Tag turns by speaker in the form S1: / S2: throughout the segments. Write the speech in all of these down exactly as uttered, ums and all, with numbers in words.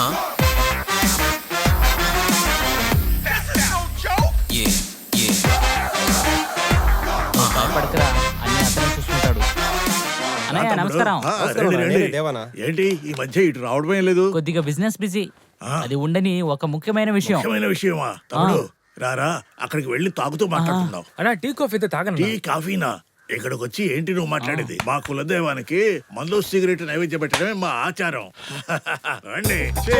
S1: పడకరా అన్ని అతనే చూసుకుంటాడు. అన్నయ్య నమస్కారం.
S2: ఏంటి ఈ మధ్య ఇటు రావడమే లేదు?
S1: కొద్దిగా బిజినెస్ బిజీ. అది ఉండని ఒక ముఖ్యమైన విషయం.
S2: ముఖ్యమైన విషయమా తమ్ముడు? రారా అక్కడికి వెళ్ళి తాగుతూ మాట్లాడుతున్నావు.
S3: అన్నా టీ కాఫీ తాగను.
S2: టీ కాఫీనా? ఇక్కడికి వచ్చి ఏంటి నువ్వు మాట్లాడేది? మా కులదైవానికి మందు సిగరెట్ నైవేద్యం పెట్టడమే మా ఆచారం. రండి.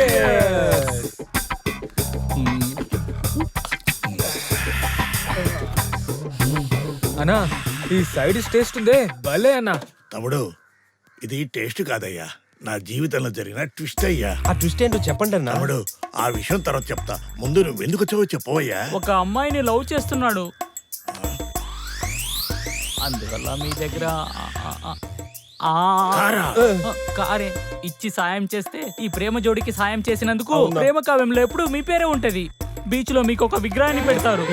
S3: అన్నా ఈ సైడ్ టేస్ట్ ఉందే భలే అన్నా.
S2: తమ్ముడు ఇది టేస్ట్ కాదయ్యా, నా జీవితంలో జరిగిన ట్విస్ట్ అయ్యా.
S4: ఆ ట్విస్ట్ ఏంటో చెప్పండి అన్న.
S2: తమ్ముడు ఆ విషయం తర్వాత చెప్తా, ముందు నువ్వు ఎందుకు వచ్చావో చెప్పవయ్యా.
S1: ఒక అమ్మాయిని లవ్ చేస్తున్నాడు, అందువల్ల మీ దగ్గర కారే ఇచ్చి సాయం చేస్తే ఈ ప్రేమ జోడికి సాయం చేసినందుకు ప్రేమ కావ్యంలో ఎప్పుడు మీ పేరే ఉంటది. బీచ్ లో మీకు ఒక విగ్రహాన్ని పెడతారు.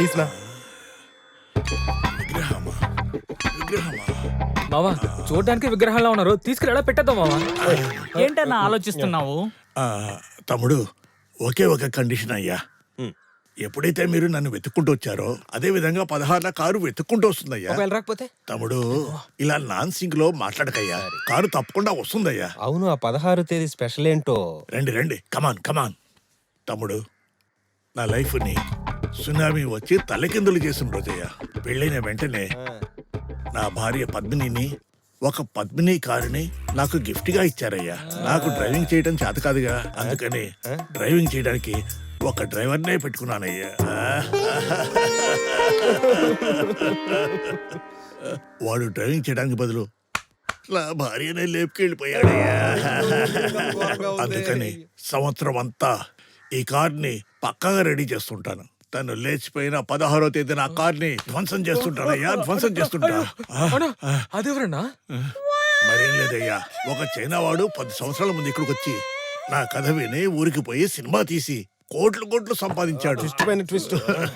S3: మావా చూడడానికి విగ్రహాల్లో ఉన్నారు, తీసుకురా పెట్టేద్దాం మావా.
S1: ఏంటన్నా ఆలోచిస్తున్నావు?
S2: తమ్ముడు ఒకే ఒక కండిషన్ అయ్యా, ఎప్పుడైతే మీరు నన్ను వెతుక్కుంటూ వచ్చారో అదే విధంగా పదహారున కారు వెతుక్కుంటూ వస్తుందయ్యా.
S4: రాకపోతే
S2: తమ్ముడు ఇలా నాన్ సింక్ లో మాట్లాడకయ్యా, కారు తప్పకుండా వస్తుందయ్యా.
S4: అవును, ఆ పదహారు తేదీ స్పెషల్ ఏంటో.
S2: రండి రండి, కమాన్ కమాన్. తమ్ముడు నా లైఫ్ ని సునామీ వచ్చి తలకిందులు చేసిన రోజయ్యా. పెళ్ళైన వెంటనే నా భార్య పద్మినిని ఒక పద్మిని కారుని నాకు గిఫ్ట్ గా ఇచ్చారయ్యా. నాకు డ్రైవింగ్ చేయడం చేత కాదుగా, అందుకని డ్రైవింగ్ చేయడానికి ఒక డ్రైవర్నే పెట్టుకున్నానయ్యా. వాడు డ్రైవింగ్ చేయడానికి బదులు నా భార్యనే లేపుకెళ్ళిపోయాడయ్యా. అందుకని సంవత్సరం అంతా ఈ కార్ని పక్కాగా రెడీ చేస్తుంటాను. తను లేచిపోయిన పదహారో తేదీ నా కార్ని ధ్వంసం చేస్తుంటానయ్యా, ధ్వంసం చేస్తుంటా.
S3: అదెవరన్నా?
S2: మరేం లేదయ్యా, ఒక చైనా వాడు పది సంవత్సరాల ముందు ఇక్కడికి వచ్చి నా కథ విని ఊరికి పోయి సినిమా తీసి కోట్లు కోట్లు సంపాదించాడు.
S4: ట్విస్ట్.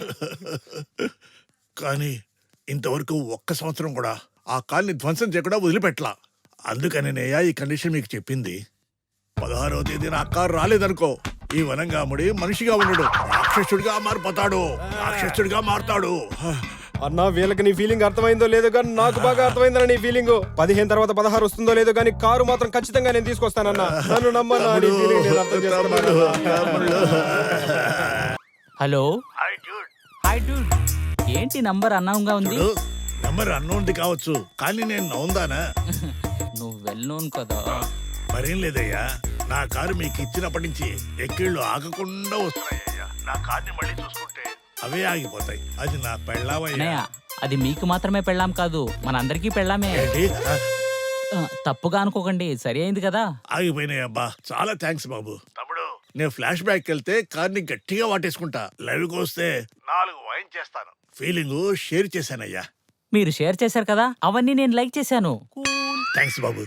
S2: కానీ ఇంతవరకు ఒక్క సంవత్సరం కూడా ఆ కార్ని ధ్వంసం చేయకుండా వదిలిపెట్టలా. అందుకనేనయ్యా ఈ కండిషన్ మీకు చెప్పింది. పదహారవ తేదీ నా కారు రాలేదనుకో, ఈ వనంగాముడి మనిషిగా ఉండడు, రాక్షసుడిగా మారిపోతాడు, రాక్షసుడిగా మారుతాడు.
S4: అన్నా వీళ్ళకి నీ ఫీలింగ్ అర్థమైందో లేదో కానీ నాకు బాగా అర్థమైందన్న నీ ఫీలింగ్. పదిహేను తర్వాత పదహారు వస్తుందో లేదో కానీ కారు మాత్రం ఖచ్చితంగా నేను తీసుకొస్తానన్నా, నన్ను నమ్మన్నా.
S1: హలో హాయ్ డూడ్, ఏంటి నంబర్ అన్నౌన్గా ఉంది?
S2: నంబర్ అన్నోన్ది కావచ్చు, కానీ నేను నౌందానా?
S1: నువ్వు వెల్ నోన్ కదా.
S2: మరేం లేదయ్యా, నా కారు మీకు ఇచ్చినప్పటి నుంచి ఎక్కిళ్ళు ఆగకుండా వస్తున్నాయ్యా. నా కార్ని మళ్ళీ చూసుకుంటే అవే ఆగిపోతాయి. అది నా పెళ్ళామయ్యా.
S1: అది మీకు మాత్రమే పెళ్ళాం కాదు, మనందరికీ పెళ్ళామే. తప్పుగా అనుకోకండి, సరి అయింది కదా.
S2: ఆగిపోయినాయి అబ్బా, చాలా థ్యాంక్స్ బాబు. తమ్ముడు నేను ఫ్లాష్ బ్యాక్ వెళ్తే కార్ని గట్టిగా వాటేసుకుంటా, లైవ్కి వస్తే నాలుగు వైన్ చేస్తాను. ఫీలింగ్ షేర్ చేశానయ్యా.
S1: మీరు షేర్ చేశారు కదా, అవన్నీ నేను లైక్ చేశాను.
S2: థ్యాంక్స్ బాబు.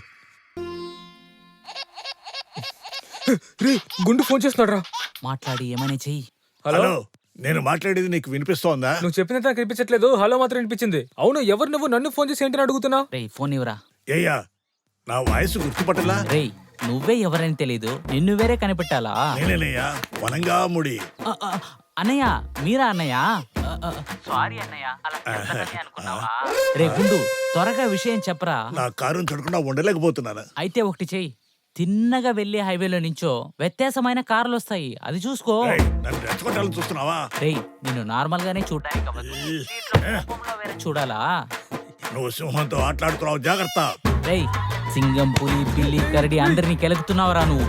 S3: గుండు ఫోన్ చేస్తున్నాడు రా,
S1: మాట్లాడి ఏమైనా చెయ్యి.
S2: హలో, నేను మాట్లాడేది నీకు వినిపిస్తోందా?
S3: నువ్వు చెప్పినంత నాకు వినిపించట్లేదు, హలో మాత్రం వినిపించింది. అవును, ఎవరు నువ్వు? నన్ను ఫోన్ చేసి ఏంటని అడుగుతున్నా?
S1: రే ఫోన్ ఇవ్వరా.
S2: ఏయ్యా, నా వాయిస్ గుర్తుపట్టలా?
S1: రే నువ్వే ఎవరని తెలీదు, నిన్ను వేరే కనిపెట్టాలా?
S2: నేనేనయ్యా, వనంగాముడి.
S1: అన్నయ్య మీరా? అన్నయ్య సారీ అన్నయ్య, రే గుండు త్వరగా విషయం చెప్పరా.
S2: నా కారుని చూడకుండా ఉండలేకపోతున్నాను.
S1: అయితే ఒకటి చెయ్యి, తిన్నగా వెళ్లే హైవేలో నుంచో వ్యత్యాసమైన కార్లు వస్తాయి, అది చూసుకో.
S2: నన్ను రెచ్చగొట్టాలని చూస్తున్నావా?
S1: రే నిన్ను నార్మల్ గానే చూడడానికి చూడాలా?
S2: నువ్వు సింహంతో ఆటలాడుతున్నావు, జాగ్రత్త.
S1: రేయ్ సింగం, పులి, పిల్లి, కరడి అందరినీ కెలుగుతున్నావురా నువ్వు.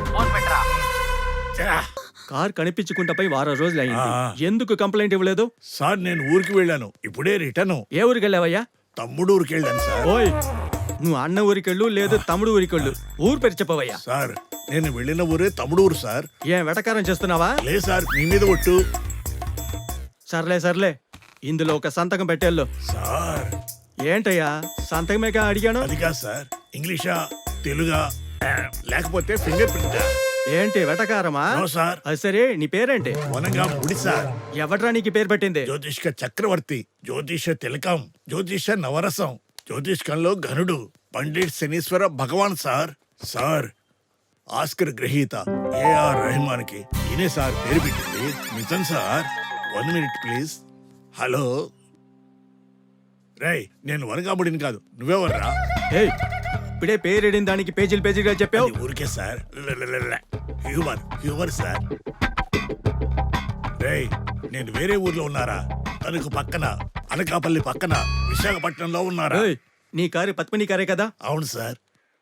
S5: కార్ కనిపించుకుంటపై వారం రోజులు అయింది, ఎందుకు కంప్లైంట్ ఇవ్వలేదు?
S2: సార్ నేను ఊరికి వెళ్ళాను, ఇప్పుడే రిటర్న్.
S5: ఏ ఊరికి వెళ్ళావయ్యా?
S2: తమ్ముడు ఊరికి వెళ్ళాను సార్.
S5: ఓయ్, నువ్వు అన్న ఊరికెళ్ళు లేదు తమ్ముడు ఊరికెళ్ళు, ఊరు పేరు చెప్పవయ్యా.
S2: సార్ నేను వెళ్ళిన ఊరే తమ్ముడు ఊరు సార్.
S5: ఏం వెటకారం చేస్తున్నావా?
S2: లే సార్, మీ మీద ఒట్టు.
S5: సర్లే సర్లే, ఇందులో ఒక సంతకం పెట్టేళ్ళు.
S2: సార్
S5: ఏంటయ్యా సంతకమేగా అడిగాను?
S2: అది కాదు సార్, ఇంగ్లీషా తెలుగా లేకపోతే ఫింగర్ ప్రింట్?
S5: ఏంటి వెటకారమా?
S2: సార్
S5: అది సరే, నీ పేరేంటి?
S2: వనంగాముడి సార్.
S5: ఎవట్రా నీకు పేరు పెట్టింది?
S2: జ్యోతిష్క చక్రవర్తి, జ్యోతిష తిలకం, జ్యోతిష నవరసం, జ్యోతిష్కంలో ఘనుడు, పండిట్ శనీశ్వర భగవాన్ సార్. సార్ ఆస్కర్ గ్రహీత ఏఆర్ రెహమాన్ కి ఈయనే సార్ పేరు పెట్టింది. నిజం sir. One minute please. Hello రేయ్, నేను వనగాముడిని కాదు, నువ్వెవర్రా?
S5: ఏయ్, ఇప్పుడే పేరేడిన దానికి పేజీలు పేజీలుగా చెప్పావు.
S2: అది ఊరికే సార్, హ్యూమర్ హ్యూమర్ సార్. రేయ్, నేను వేరే ఊర్లో ఉన్నారా? తనకు పక్కన అనకాపల్లి పక్కన విశాఖపట్నంలో ఉన్నారా?
S5: ఏయ్, నీ కారు పద్మిని కారే కదా?
S2: అవును సార్.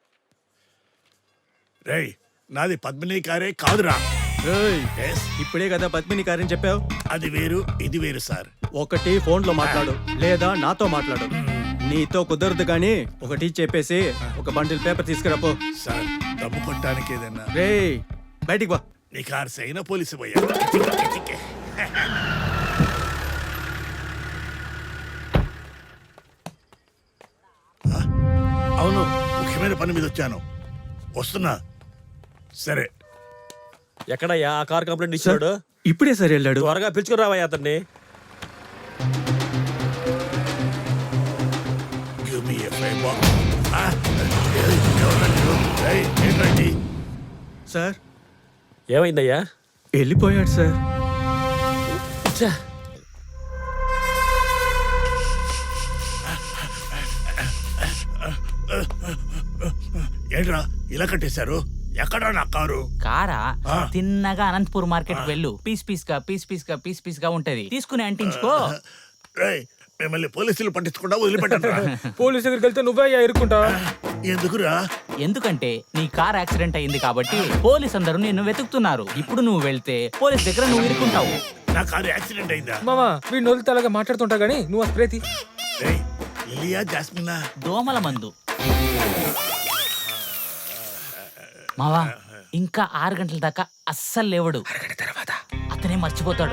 S2: రేయ్, నాది పద్మిని కారే కాదురా.
S5: ఏయ్,
S2: Yes,
S5: ఇప్పుడే కదా పద్మిని కారు అని చెప్పావు.
S2: అది వేరు ఇది వేరు సార్.
S5: ఒకటి ఫోన్ లో మాట్లాడు, లేదా నాతో మాట్లాడు. నీతో కుదరదు కానీ ఒకటి చెప్పేసి ఒక బండిల్ పేపర్ తీసుకురాపో.
S2: సార్, డబ్బు కొట్టడానికి ఏదన్నా?
S5: రేయ్, బయటికి వా.
S2: నీ కారు సైన పోలీసు పోయా. అవును, ముఖ్యమైన పని మీద వచ్చాను, వస్తున్నా. సరే.
S6: ఎక్కడయ్యా ఆ కార్ కంప్లైంట్ ఇచ్చాడు?
S5: ఇప్పుడే సరే వెళ్ళాడు.
S6: త్వరగా పిలుచుకురావయ్యా అతన్ని.
S2: Give me a favor. Ah, ఎవరండి మీరు? రేయ్, ఏంటండి?
S5: సార్,
S6: ఏమైందయ్యా?
S5: వెళ్ళిపోయాడు సార్.
S6: ఛ!
S2: ఏంట్రా ఇలా కట్టేశారు? ఎక్కడా నా కారు?
S1: కారా
S2: ఆ.
S1: తిన్నగా అనంతపూర్ మార్కెట్ వెళ్ళు. పీస్ పీస్ గా పీస్ పీస్ గా పీస్ పీస్ గా ఉంటది, తీసుకుని అంటించుకో.
S2: రేయ్, మిమ్మల్ని పోలీసులు పట్టించకుండా వదిలిపెట్టరా?
S3: పోలీస్ దగ్గరికి వెళ్తే నువ్వే అయ్యా ఇరుక్కుంటా.
S2: ఎందుకురా?
S1: ఎందుకంటే నీ కార్ యాక్సిడెంట్ అయింది కాబట్టి పోలీస్ అందరూ నిన్ను వెతుకుతున్నారు. ఇప్పుడు నువ్వు వెళ్తే పోలీస్ దగ్గర నువ్వు ఇరుక్కుంటావు.
S2: నా కారు యాక్సిడెంట్ అయిందా?
S3: మామా వీడి నోలితే అలాగా మాట్లాడుతుంటా గానీ నువ్వు ఆ స్ప్రే తీ.
S2: రేయ్, లిలియా జాస్మినా?
S1: దోమల మందు. మావా, ఇంకా ఆరు గంటల దాకా అస్సలు లేవడు. అతనే మర్చిపోతాడు.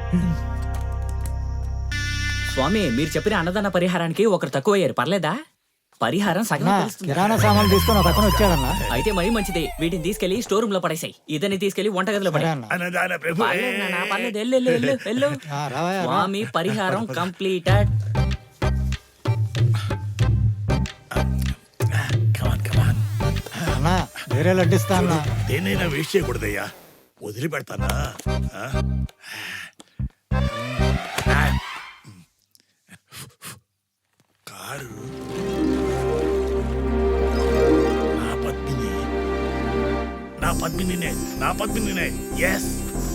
S7: స్వామి, మీరు చెప్పిన అన్నదాన పరిహారానికి ఒకరు తక్కువయ్యారు, పర్లేదా? పరిహారం సగం తెలుస్తుంది.
S8: కిరాణా సామాన్లు తీసుకొని ఒక అతను వచ్చాడన్నా.
S7: అయితే మరీ మంచిది. వీటిని తీసుకెళ్లి స్టోర్ రూమ్ లో పడేసాయి. ఇదని తీసుకెళ్లి వంటగదిలో పడే.
S2: అన్నదాన ప్రభు.
S7: పర్లేదు నాన్న, పర్లేదు. వెళ్ళు, వెళ్ళు, వెళ్ళు, వెళ్ళు.
S8: ఆ, రావయ్యా, రా.
S7: స్వామి, పరిహారం కంప్లీటెడ్.
S2: కమాన్ కమాన్.
S8: అన్నా వేరే లడ్డిస్తా అన్నా.
S2: దేనైనా వేస్ట్ చేయకూడదయ్యా, వదిలిపెడతానా? ఆ? కారు నా పద్మిని, నా పద్మినినే, నా పద్మినినే. ఎస్.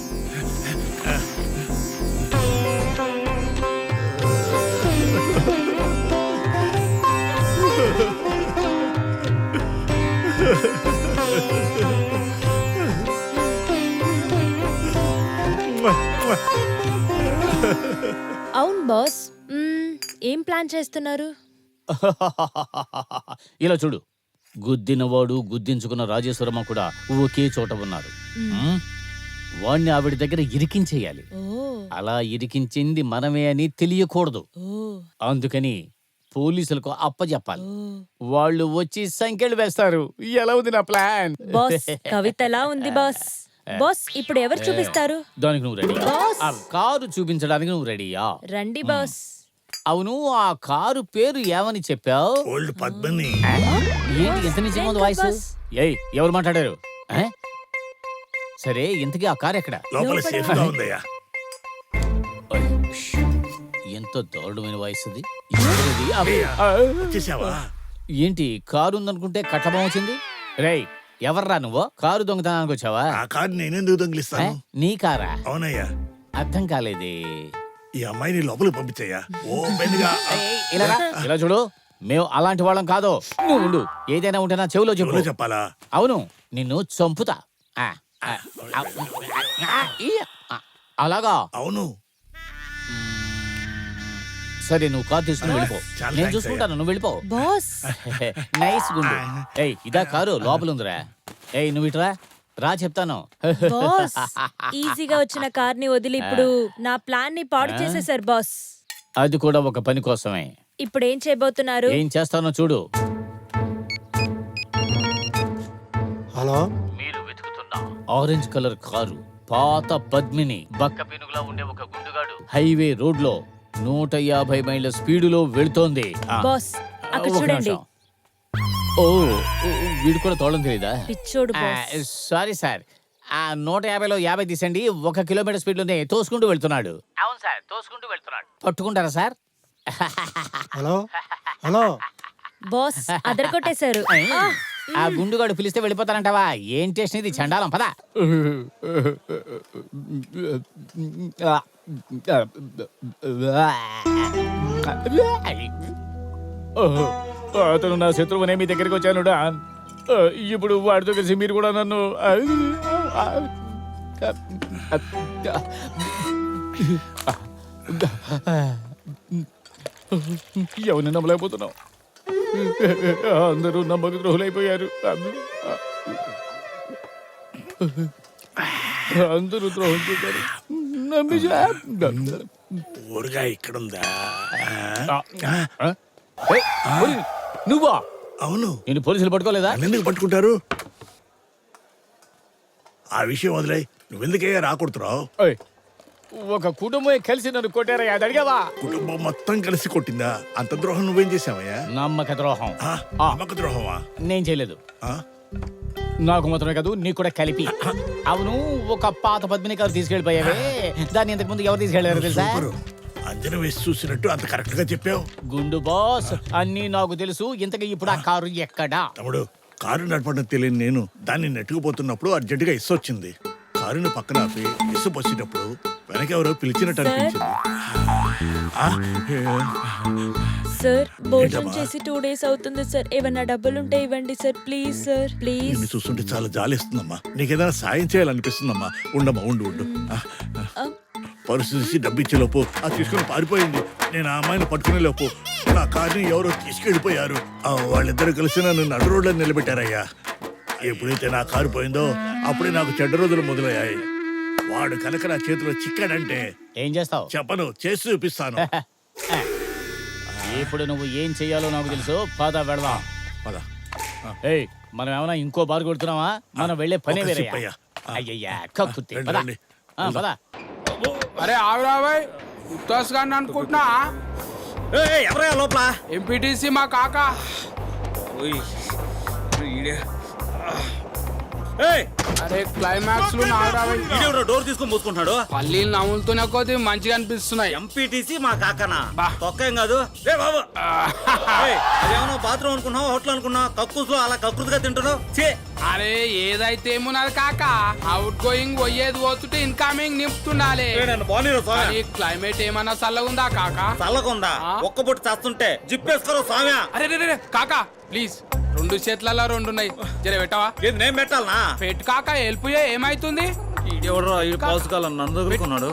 S9: అవును బాస్. మ్మ్, ఏం ప్లాన్ చేస్తున్నారు?
S10: ఇలా చూడు, గుద్దినవాడు గుద్దించుకున్న రాజేశ్వరమ్మ కూడా ఒకే చోట ఉన్నారు. ఉమ్, వాణ్ణి ఆవిడ దగ్గర ఇరికించేయాలి.
S9: ఓ
S10: అలా ఇరికించింది మనమే అని తెలియకూడదు.
S9: ఓ
S10: అందుకని పోలీసులకు అప్పచెప్పాలి.
S9: ఓ
S10: వాళ్ళు వచ్చి సంఖ్యలు వేస్తారు. ఎలా ఉంది నా ప్లాన్?
S9: బాస్, కవితలా ఉంది బాస్. బాస్, ఇప్పుడు ఎవరు చూపిస్తారు?
S10: దానికి నువ్వు రెడీ?
S9: బాస్.
S10: ఆ కారు చూపించడానికి నువ్వు రెడీయా?
S9: రండి బాస్.
S10: అవును, ఆ కారు పేరు ఏమని చెప్పావు?
S2: ఓల్డ్ పద్మిని.
S10: ఏంటి ఎంత నిజం ఉంది వాయిస్?
S9: బాస్.
S10: ఏయ్, ఎవరు మాట్లాడారు? ఆ? సరే, ఇంతకీ ఆ కారు ఎక్కడ?
S2: లోపల
S9: లోపల.
S2: సేఫ్ గా ఉందయ్యా.
S10: ఓయ్, ష్. ఎంత దారుణమైన వాయిస్ అది. ఎవరది?
S2: అయ్యా,
S10: ఆ,
S2: వచ్చేసావా?
S10: ఏంటి కారు ఉందనుకుంటే కట్టబం వచ్చింది? రేయ్, ఎవర్రా నువ్వు? కారు దొంగతనానికి వచ్చావా?
S2: ఆ కారు నేనెందుకు దొంగిలిస్తాను?
S10: ఆ? నీ కారా?
S2: అవునయ్యా.
S10: అర్థం కాలేదే.
S2: ఈ అమ్మాయిని లోపలికి పంపించయ్యా. ఓపెన్ గా.
S10: ఏయ్, ఇలా రా. ఇలా చూడు, మేము అలాంటి వాళ్ళం కాదు. నువ్వు ఉండు. ఏదైనా ఉంటే నా చెవిలో చెప్పు.
S2: ఎవరో చెప్పాలా?
S10: అవును, నిన్ను చంపుతా. ఆ, ఆ, ఆ, ఆ, ఈ, ఆ, అలాగా?
S2: అవును.
S10: సరే, నువ్వు కారు తీసుకుని వెళ్ళిపో.
S2: చాలా
S10: నేను
S2: thanks
S10: చూసుకుంటాను, నువ్వు వెళ్ళిపో.
S9: బాస్,
S10: నైస్ గుండు. ఏయ్, ఇదా కారు? లోపల ఉందిరా. ఏయ్, నువ్వు ఇట్రా రా, చెప్తాను.
S9: బాస్, ఈజీగా వచ్చిన కార్ని వదిలి ఇప్పుడు నా ప్లాన్ ని పాడు చేసేసారు బాస్.
S10: అది కూడా ఒక పని కోసమే.
S9: ఇప్పుడు ఏం చేయబోతున్నారు?
S10: ఏం చేస్తానో చూడు.
S8: హలో,
S10: మీరు వెతుకుతున్న ఆరెంజ్ కలర్ కారు పాత పద్మిని బక్క పెనుగులా ఉండే ఒక గుండుగాడు హైవే రోడ్ లో నూట యాభై మైళ్ళ స్పీడులో వెళ్తోంది. ఆ,
S9: బాస్, అక్కడ
S10: ఒక
S9: చూడండి.
S10: నిమిషం. ఓ, వీడు కూడా తోడం తెలీదా
S9: పిచ్చోడు బాస్.
S10: సారీ సార్ ఆ నూట యాభైలో యాభై తీసండి ఒక కిలోమీటర్ స్పీడ్ లోనే తోసుకుంటూ వెళ్తున్నాడు అవును సార్ తోసుకుంటూ వెళ్తున్నాడు పట్టుకుంటారా సార్
S8: హలో హలో
S9: బాస్ అదరగొట్టేశారు. ఆ,
S10: ఆ గుండుగాడు పిలిస్తే వెళ్ళిపోతానంటావా ఏం టేస్ట్ ఇది చండాలం పదా
S3: అతను నా శత్రువునే మీ దగ్గరికి వచ్చాను డాన్. ఆ, ఇప్పుడు వాడితో కలిసి మీరు కూడా నన్ను ఆ, ఆ, ఎవరిని నమ్మలేకపోతున్నావు అందరూ నమ్మక ద్రోహులైపోయారు అందరూ ద్రోహం చేశారు నమ్మేశా.
S2: ఊరుగా ఇక్కడుందా?
S3: ఆ? ఏయ్, ఓయ్, నువ్వా
S2: అవును.
S10: నేను పోలీసులు పట్టుకోలేదా
S2: నన్నెందుకు పట్టుకుంటారు? ఆ విషయం వదిలే, నువ్వెందుకయ్యా రాకూడుతున్నావు?
S3: ఓయ్, ఒక కుటుంబం కలిసి నన్ను కొట్టారయ్యా అది అడిగావా
S2: కుటుంబం మొత్తం కలిసి కొట్టిందా? అంత ద్రోహం నువ్వేం చేసావయ్యా?
S10: నమ్మక ద్రోహం
S2: ఆ, నమ్మక ద్రోహమా?
S10: నేను చేయలేదు
S2: ఆ?
S10: నాకు మాత్రమే కాదు నీకు కూడా కలిపి అవును ఒక పాత పద్మిని గారు తీసుకెళ్ళిపోయావే దాన్ని ఇంతకు ముందు ఎవరు తీసుకెళ్లారు తెలుసా
S2: సూపరు. అంజన వేసి చూసినట్టు అంత కరెక్ట్ గా చెప్పావు.
S10: గుండు బాస్ అన్నీ నాకు తెలుసు ఇంతకీ ఇప్పుడు ఆ కారు ఎక్కడా
S2: తమ్ముడు, కారు నడపడం తెలియని నేను దాన్ని నెట్టుకుపోతున్నప్పుడు అర్జెంటుగా ఇసు వచ్చింది. కారుని పక్కన ఆపి ఇసు పోసేటప్పుడు వెనకెవరో పిలిచినట్టు అనిపించింది. ఆ?
S9: సార్ భోజనం
S2: ఏంటమ్మా?
S9: చేసి టూ డేస్ అవుతుంది సార్. ఏమన్నా డబ్బులుంటే ఇవ్వండి సార్ ప్లీజ్ సార్ ప్లీజ్.
S2: నిన్ను చూస్తుంటే చాలా జాలిస్తుందమ్మా. నీకేదైనా సాయం చేయాలనిపిస్తుందమ్మా. ఉండమ్మా, ఉండు ఉండు. ఆ, ఆ. పరుసు తీసి డబ్బు ఇచ్చేలోపు ఆ తీసుకుని పారిపోయింది. నేను ఆ అమ్మాయిని పట్టుకునే లోపు నా కార్ని ఎవరో తీసుకెళ్ళిపోయారు. ఆ, వాళ్ళిద్దరు కలిసి నన్ను నడు రోడ్లో నిలబెట్టారయ్యా. ఎప్పుడైతే నా కారు పోయిందో అప్పుడే నాకు చెడ్డ రోజులు మొదలయ్యాయి. వాడు కనుక నా చేతిలో చిక్కాడంటే
S10: ఏం చేస్తావు
S2: చెప్పను, చేసి చూపిస్తాను.
S10: ఇప్పుడు నువ్వు ఏం చెయ్యాలో నాకు తెలుసు పద వెళదాం
S2: పద.
S10: ఏయ్ మనం ఏమైనా ఇంకో బార్ కొడుతున్నావా మనం వెళ్ళే పనే
S2: ఒక
S10: వేరే
S2: సిప్పయ్యా. ఆ.
S10: అయ్యయ్యా కక్కుత్తి
S2: రండి,
S10: పద
S2: రండి.
S10: ఆ, పద
S11: అరే ఆవిరాబాయ్ ఉత్తాస్ గారిని అనుకుంటున్నా
S5: ఎవరయ్యా లోపల
S11: ఎంపీటీసీ మా కాక అరే క్లైమాక్స్ లో ఆవిరాబాయ్
S5: డోర్ తీసుకొని మూసుకుంటున్నాడు
S11: పల్లీలు నవ్వులుతూనే కొద్ది మంచిగా అనిపిస్తున్నాయి.
S5: ఎంపీటీసీ మా కాకనా
S11: బా.
S5: తొక్కేం కాదు రే బాబు ఏయ్, అదేమన్నా బాత్రూమ్ అనుకున్నావు హోటల్ అనుకున్నావు కక్కుస్లో అలా కక్కుతుగా తింటున్నావు చే
S11: అరే ఏదైతే ఏమున్నది కాక అవుట్ గోయింగ్ పోయేది పోతుంటే ఇన్కమింగ్ నింపుతుండాలి.
S5: నన్ను బాగున్నారు స్వామి
S11: కానీ క్లైమేట్ ఏమన్నా చల్లగుందా కాక?
S5: చల్లకుందా
S11: ఆ?
S5: ఒక్క పొట్టు చేస్తుంటే జిప్పేసుకోరు స్వామి
S11: అరే రే రే కాక ప్లీజ్ రెండు చేతులలో రెండు ఉన్నాయి జర పెట్టవా?
S5: ఏది నేను పెట్టాలనా
S11: పెట్టు కాక హెల్ప్ ఏమైతుంది?
S5: ఎవడో ఈ పాసుకాలం నన్ను దగ్గరుకున్నాడు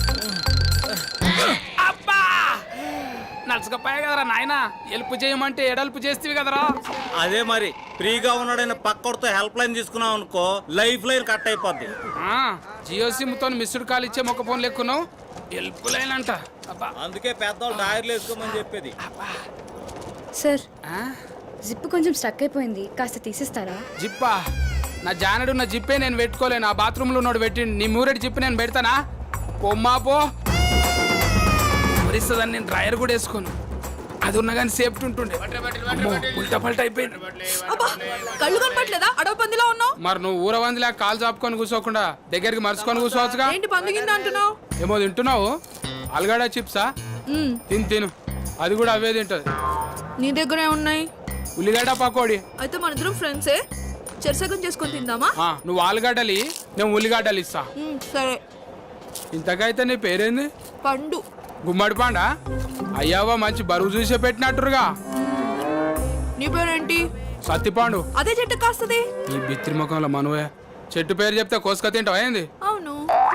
S11: అబ్బా నడుచుకపోయా కదరా నాయన హెల్ప్ చేయమంటే ఎడల్పు చేస్తేవి కదరా.
S5: అదే మరి ఫ్రీగా ఉన్నాడైన పక్కడితో హెల్ప్ లైన్ తీసుకున్నావు అనుకో లైఫ్ లైన్ కట్ అయిపోద్ది.
S11: ఆ, జియో సిమ్ తో మిస్డ్ కాల్ ఇచ్చే మొక్క ఫోన్ లెక్కున్నావు హెల్ప్ లైన్ అంట. అబ్బా
S5: అందుకే పెద్దవాళ్ళు డైర్లు వేసుకోమని చెప్పేది.
S12: సార్
S11: ఆ?
S12: జిప్ కొంచెం స్టక్ అయిపోయింది కాస్త తీసిస్తారా?
S11: జిప్పా నా జానడు నా జిప్పే నేను పెట్టుకోలేను. ఆ బాత్రూమ్ లో ఉన్నాడు పెట్టి నీ మూరెడ్ జిప్ నేను పెడతానా? పొమ్మా పో మరిస్తుందని నేను డ్రైయర్ కూడా వేసుకోను. అది ఉన్నా కానీ సేఫ్టీ ఉంటుండే. అమ్మో, ఉల్టా పల్టా అయిపోయింది.
S12: కళ్ళు కనపట్లేదా? అడవ పందిలా ఉన్నావు.
S11: మరి నువ్వు ఊర వందిలా కాలు చాపుకొని కూర్చోకుండా దగ్గరికి మరుచుకొని కూర్చోవచ్చుగా.
S12: ఏంటి పందిగిందా అంటున్నావు?
S11: ఏమో తింటున్నావు ఆలుగడ్డ చిప్సా? తిను తిను అది కూడా అవే తింటది.
S12: నీ దగ్గరే ఉన్నాయి.
S11: ఉల్లిగడ్డ పకోడీ.
S12: అయితే మన ఇద్దరం ఫ్రెండ్సే, చెరసగం చేసుకొని తిందామా?
S11: ఆ, నువ్వు ఆలుగడ్డలి నేను ఉల్లిగడ్డలు ఇస్తా.
S12: సరే.
S11: ఇంతకైతే నీ పేరేంది?
S12: పండు.
S11: గుమ్మడి పండా? అయ్యావా మంచి బరువు చూసే పెట్టినట్టురుగా.
S12: నీ పేరేంటి?
S11: సత్తిపాండు.
S12: అదే చెట్టు కాస్తది.
S11: నీ బిత్రి ముఖంలో మనవే చెట్టు పేరు చెప్తే కోసుక తింటావా ఏంది?
S12: అవును.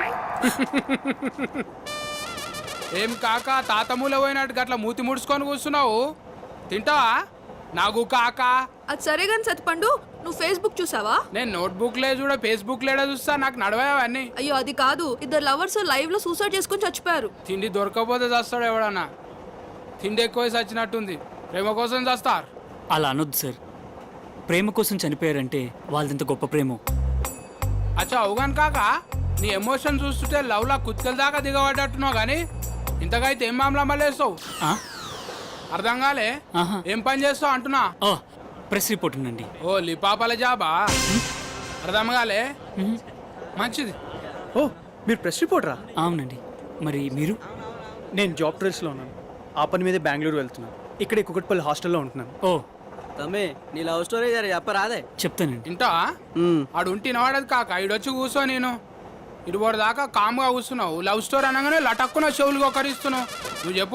S11: ఏం కాక తాతమూల పోయినట్టు గట్ల మూతి ముడుచుకొని కూర్చున్నావు తింటావా? నాకు కాక
S12: అది సరే గాని సత్తిపండు, నువ్వు ఫేస్బుక్ చూసావా?
S11: నేను నోట్బుక్ లే చూడ ఫేస్బుక్ లేడా చూస్తా నాకు నడవవన్నీ.
S12: అయ్యో అది కాదు, ఇద్దరు లవర్స్ లైవ్ లో సూసైడ్ చేసుకొని చచ్చిపోయారు.
S11: తిండి దొరకకపోతే చస్తాడు ఎవడన్నా. తిండి ఎక్కువ చచ్చినట్టుంది. ప్రేమ కోసం చస్తారు.
S1: అలా అనొద్దు సార్. ప్రేమ కోసం చనిపోయారంటే వాళ్ళంత గొప్ప ప్రేమ.
S11: అచ్చా అవుగాను కాక నీ ఎమోషన్ చూస్తుంటే లవ్ లా కుత్కల దాకా దిగబడ్డట్టున్నావు కానీ ఇంతగా అయితే ఏం మామలా మళ్ళేస్తావు? అర్థం కాలే. ఏం పని చేస్తావు అంటున్నా?
S1: ప్రెస్ రిపోర్ట్ ఉందండి.
S11: ఓ లిపాపల జాబా అర్థం కాలే మంచిది.
S5: ఓ మీరు ప్రెస్ రిపోర్టరా?
S1: అవునండి. మరి మీరు?
S5: నేను జాబ్ ట్రైల్స్లో ఉన్నాను. ఆ పని మీదే బెంగళూరు వెళ్తున్నాను. ఇక్కడ కుకట్పల్లి హాస్టల్లో ఉంటున్నాను.
S1: ఓ
S5: తమ్మే నీ లవ్ స్టోరీ చెప్పరాదే.
S1: చెప్తానండి.
S11: ఇంటా ఆడు ఉంటే నవాడదు కాక ఈడొచ్చి కూర్చో. నేను ఇటుబడి దాకా కామ్గా కూర్చున్నావు. లవ్ స్టోరీ అనగానే లటక్కున చెవులు ఒకరిస్తున్నావు. నువ్వు చెప్పు.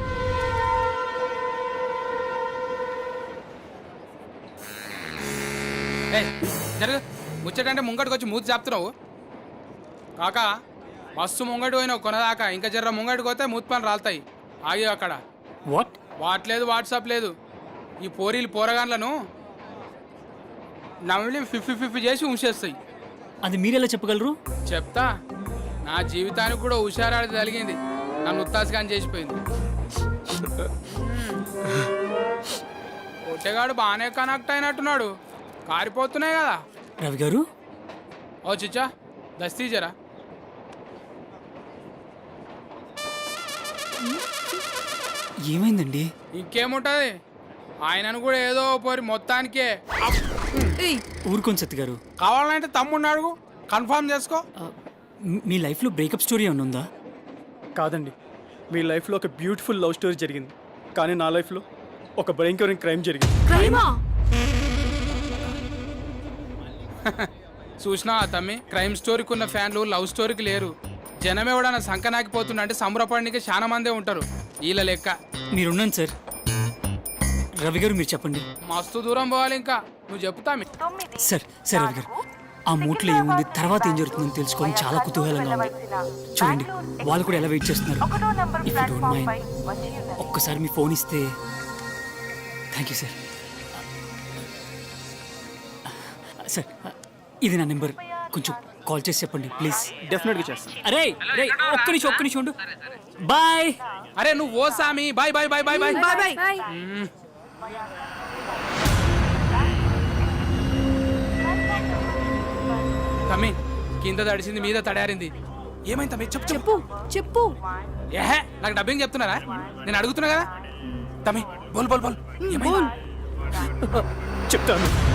S11: ఏయ్, జరగ ముచ్చటంటే ముంగటికి వచ్చి మూతి చెప్తున్నావు. కాకా మస్తు ముంగటి పోయినావు కొనదాకా. ఇంకా జర్ర ముంగటికి పోతే మూతి పని రాలుతాయి. ఆగి అక్కడ.
S1: వాట్?
S11: వాట్ లేదు, వాట్సాప్ లేదు. ఈ పోరీలు పోరగాన్లను నవ్వుని ఫిఫ్టీ ఫిఫ్టీ చేసి ఉంచేస్తాయి.
S1: అది మీరెలా చెప్పగలరు?
S11: చెప్తా. నా జీవితానికి కూడా హుషారాడి జరిగింది. నన్ను ఉత్తాసగాని చేసిపోయింది. ఒట్టేగాడు బాగానే కనెక్ట్ అయినట్టున్నాడు. కారిపోతున్నాయి కదా.
S1: రవి గారు.
S11: ఓ చిచ్చా దస్తీ జరా.
S1: ఏమైందండి?
S11: ఇంకేముంటది, ఆయనను కూడా ఏదో పోరి మొత్తానికే.
S1: ఊరుకోండి సత్తి గారు.
S11: కావాలంటే తమ్ముడిని అడుగు, కన్ఫర్మ్ చేసుకో.
S1: మీ లైఫ్లో బ్రేకప్ స్టోరీ ఏమైనా ఉందా?
S5: కాదండి, మీ లైఫ్లో ఒక బ్యూటిఫుల్ లవ్ స్టోరీ జరిగింది. కానీ నా లైఫ్లో ఒక భయంకరమైన క్రైమ్ జరిగింది.
S12: క్రైమా?
S11: చూసినా తమ్మి, క్రైమ్ స్టోరీకి ఉన్న ఫ్యాన్లు లవ్ స్టోరీకి లేరు. జనం ఎవడన్నా సంకనాకిపోతున్నా అంటే సంబరపడడానికి చాలా మందే ఉంటారు. వీళ్ళ లెక్క.
S1: మీరున్నాను సార్. రవి గారు మీరు చెప్పండి.
S11: మస్తు దూరం పోవాలి ఇంకా. నువ్వు చెప్తామి.
S1: సార్ సార్ రవి గారు, ఆ మూట్లో ఏముంది, తర్వాత ఏం జరుగుతుందని తెలుసుకోవడం చాలా కుతూహలంగా ఉంది. చూడండి, వాళ్ళు కూడా ఎలా వెయిట్ చేస్తున్నారు. ఇఫ్ యూ డోంట్ మైండ్ ఒక్కసారి మీ ఫోన్ ఇస్తే. Thank you sir. సార్ ఇది నా నెంబర్, కొంచెం కాల్ చేసి చెప్పండి ప్లీజ్.
S5: డెఫినెట్గా చేస్తాను.
S1: అరే రే ఒక్క నిమిషం ఒక్క నిమిషం ఉండు. బాయ్.
S11: అరే నువ్వు ఓ సామి. Bye bye bye bye bye
S12: bye bye.
S11: తమ్మి, కింద తడిసింది మీద తడారింది. ఏమైంది తమ్మి? చెప్పు
S12: చెప్పు చెప్పు.
S11: ఏహే, నాకు డబ్బింగ్ చెప్తున్నారా? నేను అడుగుతున్నా కదా. తమ్మి బోల్ బోల్ బోల్. ఏమైంది?
S5: చెప్తాను.